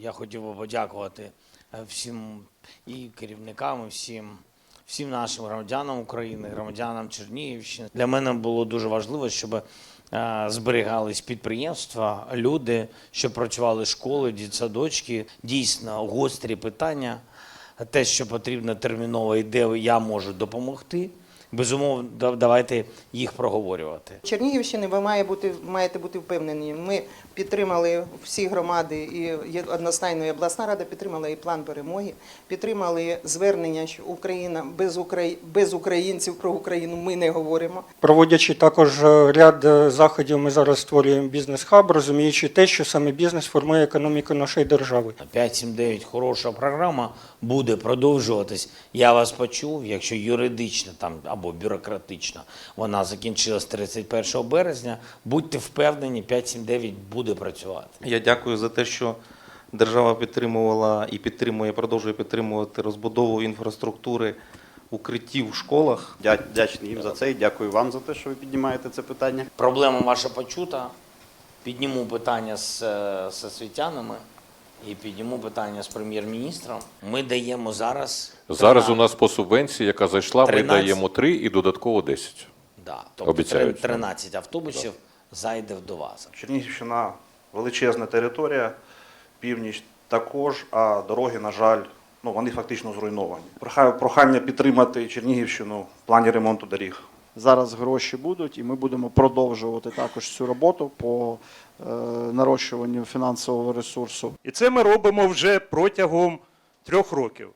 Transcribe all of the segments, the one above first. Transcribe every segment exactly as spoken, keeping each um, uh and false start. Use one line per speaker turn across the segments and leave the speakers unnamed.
Я хотів би подякувати всім і керівникам, і всім, всім нашим громадянам України, громадянам Чернігівщини. Для мене було дуже важливо, щоб е, зберігались підприємства, люди, щоб працювали школи, дитсадочки. Дійсно, гострі питання, те, що потрібно терміново і де я можу допомогти. Безумовно, давайте їх проговорювати.
Чернігівщини ви має бути, маєте бути впевнені. Ми підтримали всі громади, і одностайно і обласна рада підтримала і план перемоги, підтримали звернення, що Україна без, Украї... без українців про Україну ми не говоримо.
Проводячи також ряд заходів, ми зараз створюємо бізнес-хаб, розуміючи те, що саме бізнес формує економіку нашої держави.
п'ять сім дев'ять хороша програма буде продовжуватись. Я вас почув, якщо юридично там або бюрократично вона закінчилась тридцять першого березня, будьте впевнені, п'ять сім дев'ять буде працювати.
Я дякую за те, що держава підтримувала і підтримує, продовжує підтримувати розбудову інфраструктури укриттів в школах.
Я вдячний їм за це і дякую вам за те, що ви піднімаєте це питання.
Проблема ваша почута. Підніму питання з, з освітянами і підніму питання з прем'єр-міністром. Ми даємо зараз...
Зараз у нас по субвенції, яка зайшла, ми
тринадцять
даємо три і додатково десять.
Да, тобто
Обіцяють.
тринадцять автобусів зайде до вас.
Чернігівщина величезна територія, північ також, а дороги, на жаль, ну, вони фактично зруйновані. Прохаю прохання підтримати Чернігівщину в плані ремонту доріг.
Зараз гроші будуть, і ми будемо продовжувати також цю роботу по е, нарощуванню фінансового ресурсу.
І це ми робимо вже протягом трьох років.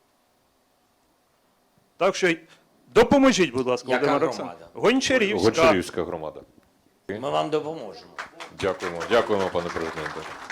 Так що допоможіть, будь ласка,
Яка
Володимир
громада?
Олександрович. Гончарівська.
Гончарівська громада.
Ми вам допоможемо.
Дякуємо, дякуємо, пане президенте.